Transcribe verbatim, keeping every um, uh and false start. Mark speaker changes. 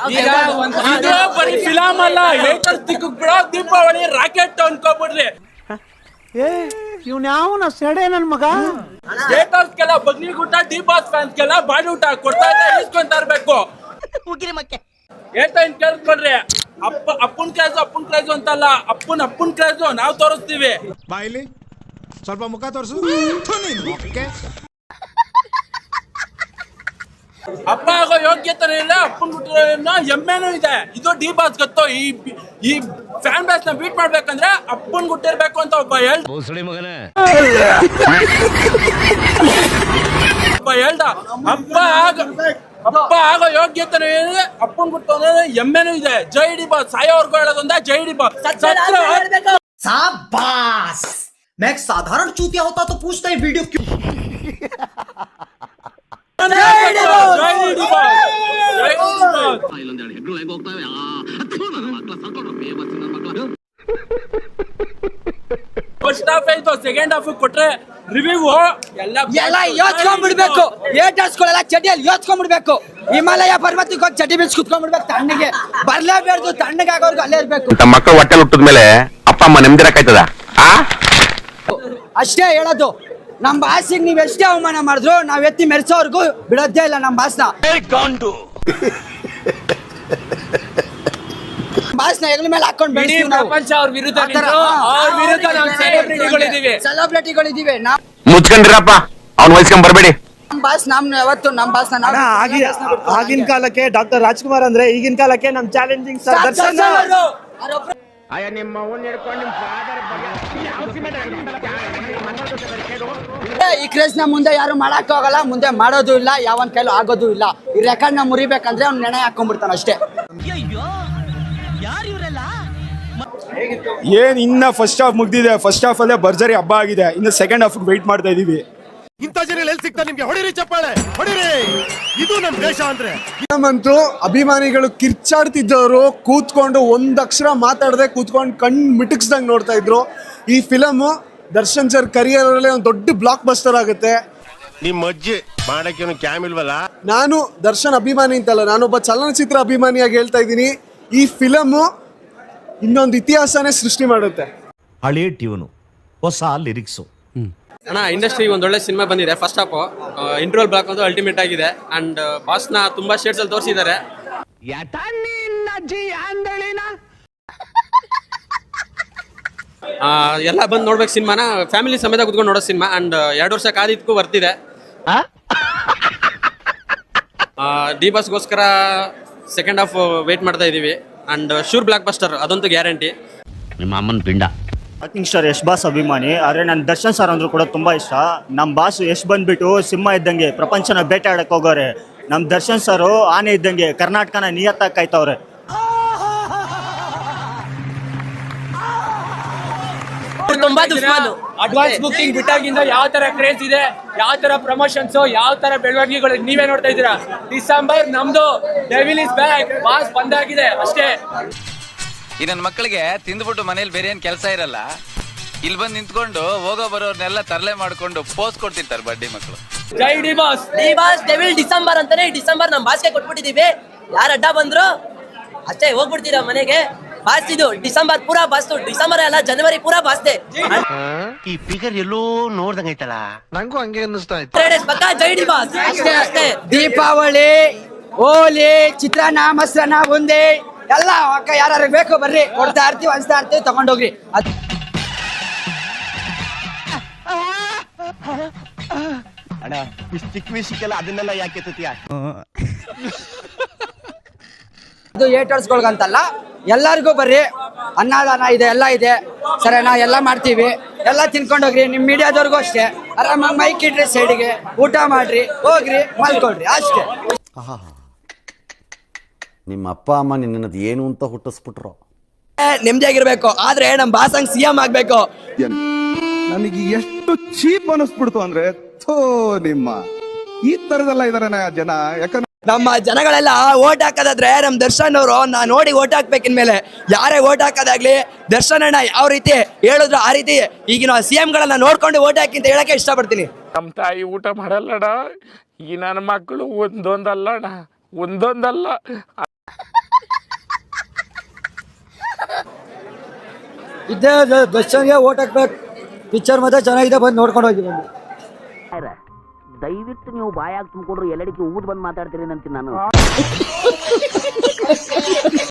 Speaker 1: ಇದು ಬರೀ ಫಿಲಮ್ ಅಲ್ಲ, ಏಟರ್ಸ್ ದಿಕ್ಕಕ್ ಬಿಡೋ ದೀಪಾವಳಿ ರಾಕೆಟ್ ಅನ್ಕೋಬಿಡ್ರಿ.
Speaker 2: ಏ ಇವ್ನ ಯಾವನ ಸೆಡೆ ನನ್ ಮಗ.
Speaker 1: ಏಟರ್ಸ್ಗೆಲ್ಲ ಬಗ್ನಿಗುಟ್ಟ, ಡಿ ಬಾಸ್ ಫ್ಯಾನ್ಸ್ಗೆಲ್ಲ ಬಾಡಿ ಊಟ ಕೊಡ್ತಾ ಇದ್ರೆ ಇಸ್ಕೊಂತ ಇರ್ಬೇಕು. ಏಟ ಇನ್ ಕೇಳ್ಕೊಂಡ್ರಿ, ಅಪ್ಪ ಅಪ್ಪನ್ ಕ್ರೇಜು ಅಪ್ಪನ್ ಕ್ರೇಜು ಅಂತಲ್ಲ, ಅಪ್ಪನ್ ಅಪ್ಪನ್ ಕ್ರೇಜು ನಾವ್ ತೋರಿಸ್ತೀವಿ.
Speaker 3: ಬಾಯಿಲಿ ಸ್ವಲ್ಪ ಮುಖ ತೋರಿಸು.
Speaker 1: ಅಪ್ಪ ಆಗೋ ಯೋಗ್ಯತೆ ಇಲ್ಲ, ಅಪ್ಪನ್ ಬಿಟ್ಟಿರೋ ಎಮ್ಮೆನೂ ಇದೆ. ಇದು ಡಿ ಬಾಸ್ ಗೊತ್ತು. ಈ ಈ ಫ್ಯಾನ್ ಬೇಸ್ ನ ಬೀಟ್ ಮಾಡ್ಬೇಕಂದ್ರೆ ಅಪ್ಪನ್ ಗುಟ್ಟಿರ್ಬೇಕು ಅಂತ ಒಬ್ಬ ಹೇಳ್ ಒಬ್ಬ ಹೇಳ್ದ. ಅಪ್ಪ ಆಗ ಅಪ್ಪ ಆಗೋ ಯೋಗ್ಯತೆ ಇದೆ, ಅಪ್ಪನ್ ಗುಟ್ಟು ಎಮ್ಮೆನೂ ಇದೆ. Jai D Boss. ಸಾಯೋರ್ಗು ಹೇಳೋದೊಂದ ಜೈ ಡಿ ಬಾಸ್.
Speaker 4: शाबाश। मैं एक साधारण चूतिया होता तो पूछता ही वीडियो क्यों।
Speaker 1: ಫಸ್ಟ್ ಹಾಫ್ ಆಯ್ತು, ಸೆಕೆಂಡ್ ಹಾಫ್ ಕೊಟ್ರೆ ರಿವ್ಯೂ
Speaker 5: ಎಲ್ಲ ಯೋಚ್ಕೊಂಡ್ಬಿಡ್ಬೇಕು. ಏಟರ್ಸ್ಗಳೆಲ್ಲ ಚಡಿಯಲ್ಲಿ ಯೋಚ್ಕೊಂಡ್ಬಿಡ್ಬೇಕು. ಹಿಮಾಲಯ ಪರ್ವತಕ್ಕೆ ಹೋಗಿ ಚಡಿ ಬಿಚ್ಚಿ ಕುತ್ಕೊಂಡ್ಬಿಡ್ಬೇಕು. ತಣ್ಣಗೆ ಬರ್ಲೇಬೇಡ್ದು, ತಣ್ಣಗೆ ಆಗೋರ್ಗು ಅಲ್ಲೇ ಇರ್ಬೇಕು.
Speaker 6: ನಮ್ಮ ಮಕ್ಕಳು ಹೊಟ್ಟೆ ಹುಟ್ಟಿದ ಮೇಲೆ ಅಪ್ಪ ಅಮ್ಮ ನೆಮ್ಮದಿರಕ್ಕಾಯ್ತದ?
Speaker 5: ಅಷ್ಟೇ ಹೇಳೋದು. ನಮ್ ಬಾಸಿಗೆ ನೀವ್ ಎಷ್ಟೇ ಅವಮಾನ ಮಾಡಿದ್ರು ನಾವ್ ಎತ್ತಿ ಮೆರೆಸೋರ್ಗು ಬಿಡೋದೇ ಇಲ್ಲ ನಮ್ ಬಾಸ್ನ. ಬಾಸ್ನ ಹೆಗಲ ಮೇಲೆ ಹಾಕೊಂಡ್ ಬೆಳೆಸ್ತೀವಿ ನಾವು.
Speaker 1: ಅವ್ರ ವಿರುದ್ಧ ಅವ್ರ ವಿರುದ್ಧ ನಾವು ಸೆಲೆಬ್ರಿಟಿಗಳಿದೀವಿ
Speaker 5: ಸೆಲೆಬ್ರಿಟಿಗಳಿದೀವಿ ನಾವು.
Speaker 6: ಮುಚ್ಕೊಂಡಿರಪ್ಪ, ಅವ್ನ ವಹಿಸ್ಕೊಂಡ್ ಬರ್ಬೇಡಿ.
Speaker 5: ನಮ್ ಬಾಸ್ ನಮ್ ಯಾವತ್ತು ನಮ್ ಬಾಸ್ನ
Speaker 2: ಆಗಿನ ಕಾಲಕ್ಕೆ ಡಾಕ್ಟರ್ ರಾಜ್ಕುಮಾರ್ ಅಂದ್ರೆ ಈಗಿನ ಕಾಲಕ್ಕೆ ನಮ್ ಚಾಲೆಂಜಿಂಗ್ ಸರ್ ದರ್ಶನ್.
Speaker 5: ಈ ಕ್ರೇಜ್ ನ ಮುಂದೆ ಯಾರು ಮಾಡಕ್ ಹೋಗಲ್ಲ, ಮುಂದೆ ಮಾಡೋದು ಇಲ್ಲ, ಯಾವನ್ ಕೈಲೂ ಆಗೋದು ಇಲ್ಲ. ಈ ರೆಕಾರ್ಡ್ ನ ಮುರಿಬೇಕಂದ್ರೆ ಅವ್ನು ನೆನೆ ಹಾಕೊಂಡ್ಬಿಡ್ತಾನ ಅಷ್ಟೇ.
Speaker 3: ಏನ್ ಇನ್ನ ಫಸ್ಟ್ ಹಾಫ್ ಮುಗ್ದಿದೆ. ಫಸ್ಟ್ ಹಾಫ್ ಅಲ್ಲೇ ಭರ್ಜರಿ ಹಬ್ಬ ಆಗಿದೆ. ಇನ್ನು ಸೆಕೆಂಡ್ ಹಾಫ್ ವೆಯ್ಟ್ ಮಾಡ್ತಾ ಇದೀವಿ.
Speaker 7: ಇಂಥ ಜನ ಎಲ್ಲಿ ಸಿಗ್ತಾರೆ ನಿಮ್ಗೆ? ಹೊಡಿರಿ ಚಪ್ಪಾಳೆ, ಹೊಡಿರಿ. ಇದು ನಮ್ ದೇಶ ಅಂದ್ರೆ.
Speaker 8: ನಮ್ಮಂತೂ ಅಭಿಮಾನಿಗಳು ಕಿರ್ಚಾಡ್ತಿದ್ದವರು ಕೂತ್ಕೊಂಡು ಒಂದ್ ಅಕ್ಷರ ಮಾತಾಡದೆ ಕೂತ್ಕೊಂಡು ಕಣ್ ಮಿಟಕ್ಸ್ದಂಗ್ ನೋಡ್ತಾ ಇದ್ರು. ಈ ಫಿಲಮ್ ದರ್ಶನ್ ಸರ್ ಕರಿಯರ್ ಅಲ್ಲಿ ಒಂದು ದೊಡ್ಡ ಬ್ಲಾಕ್ ಬಸ್ಟರ್ ಆಗುತ್ತೆ.
Speaker 7: ನಿಮ್ ಅಜ್ಜಿ ಮಾಡಕ್ಕೆ ಕ್ಯಾಮ್ ಇಲ್ವಲ್ಲ.
Speaker 8: ನಾನು ದರ್ಶನ್ ಅಭಿಮಾನಿ ಅಂತಲ್ಲ, ನಾನೊಬ್ಬ ಚಲನಚಿತ್ರ ಅಭಿಮಾನಿಯಾಗಿ ಹೇಳ್ತಾ ಇದ್ದೀನಿ. ಈ ಫಿಲಮ್ ಇನ್ನೊಂದು ಇತಿಹಾಸನೇ ಸೃಷ್ಟಿ ಮಾಡುತ್ತೆ.
Speaker 9: ಹಳೆ ಟ್ಯೂನು, ಹೊಸ ಲಿರಿಕ್ಸು.
Speaker 1: ಅಣ್ಣ, ಇಂಡಸ್ಟ್ರಿಗೆ ಒಂದೊಳ್ಳೆ ಸಿನಿಮಾ ಬಂದಿದೆ. ಫಸ್ಟ್ ಹಾಫ್ ಇಂಟ್ರೋಲ್ ಬ್ಲಾಕ್ ಒಂದು ಅಲ್ಟಿಮೇಟ್ ಆಗಿದೆ. ಅಂಡ್ ಬಾಸ್ನ ತುಂಬಾ ಶೇಡ್ಸ್ ಅಲ್ಲಿ ತೋರಿಸಿದ್ದಾರೆ. ಎಲ್ಲ ಬಂದು ನೋಡ್ಬೇಕು ಸಿನಿಮಾನ. ಫ್ಯಾಮಿಲಿ ಸಮೇತ ಕುತ್ಕೊಂಡು ನೋಡೋ ಸಿನಿಮಾ. ಅಂಡ್ ಎರಡು ವರ್ಷ ಕಾದಿದ್ಕು ಬರ್ತಿದೆ. ಡಿ ಬಾಸ್ಗೋಸ್ಕರ ಸೆಕೆಂಡ್ ಹಾಫ್ ವೇಟ್ ಮಾಡ್ತಾ ಇದೀವಿ. ಅಂಡ್ ಶೂರ್ ಬ್ಲಾಕ್ ಬಸ್ಟರ್ ಅದಂತೂ ಗ್ಯಾರಂಟಿ.
Speaker 9: ನಿಮ್ಮ ಅಮ್ಮನ ಪಿಂಡ.
Speaker 2: ಆಕ್ಟಿಂಗ್ ಸ್ಟಾರ್ ಯಶ್ ಬಾಸ್ ಅಭಿಮಾನಿ, ಆದರೆ ನನ್ನ ದರ್ಶನ್ ಸರ್ ಅಂದ್ರೂ ಕೂಡ ತುಂಬ ಇಷ್ಟ. ನಮ್ಮ ಬಾಸ್ ಯಶ್ ಬಂದ್ಬಿಟ್ಟು ಸಿಂಹ ಇದ್ದಂಗೆ ಪ್ರಪಂಚನ ಬೇಟೆ ಆಡಕ್ಕೆ ಹೋಗೋರೆ. ನಮ್ಮ ದರ್ಶನ್ ಸರ್ ಆನೆ ಇದ್ದಂಗೆ ಕರ್ನಾಟಕನ ನಿಯತ್ತಾಗಿ ಕಾಯ್ತವ್ರೆ.
Speaker 1: ಅಡ್ವಾನ್ಸ್ ಬುಕಿಂಗ್ ಬಿಟ್ಟಾಗಿಂದ ಯಾವ ತರ ಕ್ರೇಜ್ ಇದೆ, ಯಾವ ತರ ಪ್ರಮೋಷನ್ಸ್, ಯಾವ ತರ ಬೆಳವಣಿಗೆಗಳು ನೀವೇ ನೋಡ್ತಾ ಇದ್ದೀರಾ. ಡಿಸೆಂಬರ್ ನಮ್ದು ಡೆವಿಲ್ ಇಸ್ ಬ್ಯಾಕ್, ಬಾಸ್ ಬಂದಾಗಿದೆ ಅಷ್ಟೇ.
Speaker 10: ಈ ನನ್ನ ಮಕ್ಕಳಿಗೆ ತಿಂದ್ಬಿಟ್ಟು ಮನೇಲಿ ಬೇರೆ ಏನ್ ಕೆಲಸ ಇರಲ್ಲ, ಇಲ್ಲಿ ಬಂದು ನಿಂತ್ಕೊಂಡು ಹೋಗೋ ಬರೋರ್ನೆಲ್ಲ ತರಲೆ ಮಾಡ್ಕೊಂಡು ಪೋಸ್ ಕೊಡ್ತಿರ್ತಾರೆ ಬಡ್ಡಿ ಮಕ್ಕಳು.
Speaker 1: Jai D Boss.
Speaker 5: D Boss devil December ಅಂತಾನೆ ಡಿಸೆಂಬರ್ ನಮ್ ಬಾಸ್ಗೆ ಕೊಟ್ಬಿಟ್ಟಿದೀವಿ. ಯಾರು ಅಡ್ಡ ಬಂದ್ರು ಅಷ್ಟೇ ಹೋಗ್ಬಿಡ್ತೀರಾ ಮನೆಗೆ. ಬಾಸ್ ಇದು ಡಿಸೆಂಬರ್ ಪೂರಾ ಬಾಸ್ತು. ಡಿಸೆಂಬರ್ ಅಲ್ಲ, ಜನವರಿ ಪೂರಾ ಬಾಸ್ತೆ.
Speaker 9: ಈ ಫಿಗರ್ ಎಲ್ಲೋ ನೋಡ್ದಂಗೈತಲ್ಲ,
Speaker 7: ನಂಗೂ ಹಂಗೆ ಅನ್ನಿಸ್ತಾ ಇತ್ತು.
Speaker 5: ಪಕ್ಕ ಜೈ ಡಿ ಬಾಸ್ ಅಷ್ಟೇ ಅಷ್ಟೇ. ದೀಪಾವಳಿ, ಹೋಲಿ, ಚಿತ್ರಾನ್ನ, ಮೊಸರನ್ನ, ಬುಂದಿ ಎಲ್ಲ ಅಕ್ಕ ಯಾರು ಬೇಕು ಬರ್ರಿ, ಕೊಡ್ತಾ ಇರ್ತೀವಿ, ಹಂಚ್ತಾ ಇರ್ತೀವಿ, ತಗೊಂಡೋಗ್ರಿ.
Speaker 7: ಅಣ್ಣ, ಇಷ್ಟು ಚಿಕ್ಕ ವಿಷಯಕ್ಕೆಲ್ಲ ಅದನ್ನೆಲ್ಲ ಯಾಕೆ ಎತ್ತುತ್ತೀಯ?
Speaker 5: ಇದು ಏಟರ್ಸ್ಗಳ್ಗಂತಲ್ಲ, ಎಲ್ಲರಿಗೂ ಬರ್ರಿ. ಅನ್ನದಾನ ಇದೆ, ಎಲ್ಲ ಇದೆ ಸರಿನಾ, ಎಲ್ಲ ಮಾಡ್ತೀವಿ. ಎಲ್ಲ ತಿನ್ಕೊಂಡೋಗ್ರಿ. ನಿಮ್ಮ ಮೀಡಿಯಾದವ್ರಿಗೂ ಅಷ್ಟೇ, ಆರಾಮಾಗಿ ಮೈಕ್ ಇಡ್ರಿ ಸೈಡಿಗೆ, ಊಟ ಮಾಡ್ರಿ, ಹೋಗ್ರಿ, ಮಲ್ಕೊಳ್ರಿ ಅಷ್ಟೇ.
Speaker 11: ನಿಮ್ಮ ಅಪ್ಪ ಅಮ್ಮ ನಿನ್ನದು ಏನು ಅಂತ ಹುಟ್ಟಿಸ್ಬಿಟ್ರು.
Speaker 5: ನೆಮ್ಮದಿಯಾಗಿರ್ಬೇಕು, ಆದ್ರೆ ನಮ್ ಬಾಸಂಗ್ ಸಿ ಎಂ ಆಗ್ಬೇಕು.
Speaker 3: ನನಗೆ ಎಷ್ಟು ಚೀಪ್ ಅನಿಸ್ಬಿಡ್ತು ಅಂದ್ರೆ, ಥೋ ನಿಮ್ಮ ಈ ತರದೆಲ್ಲ ಇದಾರೆ ಜನ. ಯಾಕಂದ್ರೆ
Speaker 5: ನಮ್ಮ ಜನಗಳೆಲ್ಲ ಓಟ್ ಹಾಕೋದಾದ್ರೆ ನಮ್ ದರ್ಶನ್ ಅವರು ನಾ ನೋಡಿ ಓಟ್ ಹಾಕ್ಬೇಕಿನ್ಮೇಲೆ ಯಾರೇ ಓಟ್ ಹಾಕೋದಾಗ್ಲಿ, ದರ್ಶನ್ ಅಣ್ಣ ಯಾವ ರೀತಿ ಹೇಳಿದ್ರು ಆ ರೀತಿ ಈಗಿನ ಸಿ ಎಂ ಗಳನ್ನ ನೋಡ್ಕೊಂಡು ಓಟ್ ಹಾಕಿ ಅಂತ ಹೇಳಕ್ಕೆ ಇಷ್ಟಪಡ್ತೀನಿ.
Speaker 1: ನಮ್ ತಾಯಿ ಊಟ ಮಾಡಲ್ಲಣ್ಣ. ಈ ನನ್ನ ಮಕ್ಕಳು ಒಂದೊಂದಲ್ಲ ಅಣ್ಣ, ಒಂದೊಂದಲ್ಲ.
Speaker 5: ಇದ್ದೇ ದರ್ಶನ್ಗೆ ಓಟ್ ಹಾಕ್ಬೇಕು. ಪಿಕ್ಚರ್ ಮತ್ತೆ ಚೆನ್ನಾಗಿದೆ, ಬಂದು ನೋಡ್ಕೊಂಡು ಹೋಗಿ ಬಂದು.
Speaker 12: ದಯವಿಟ್ಟು ನೀವು ಬಾಯಾಗಿ ತುಂಬಿಕೊಂಡ್ರು ಎಲ್ಲಡಿಕೆ ಊದ್ ಬಂದು ಮಾತಾಡ್ತೀರಿ ಅಂತೀನಿ ನಾನು.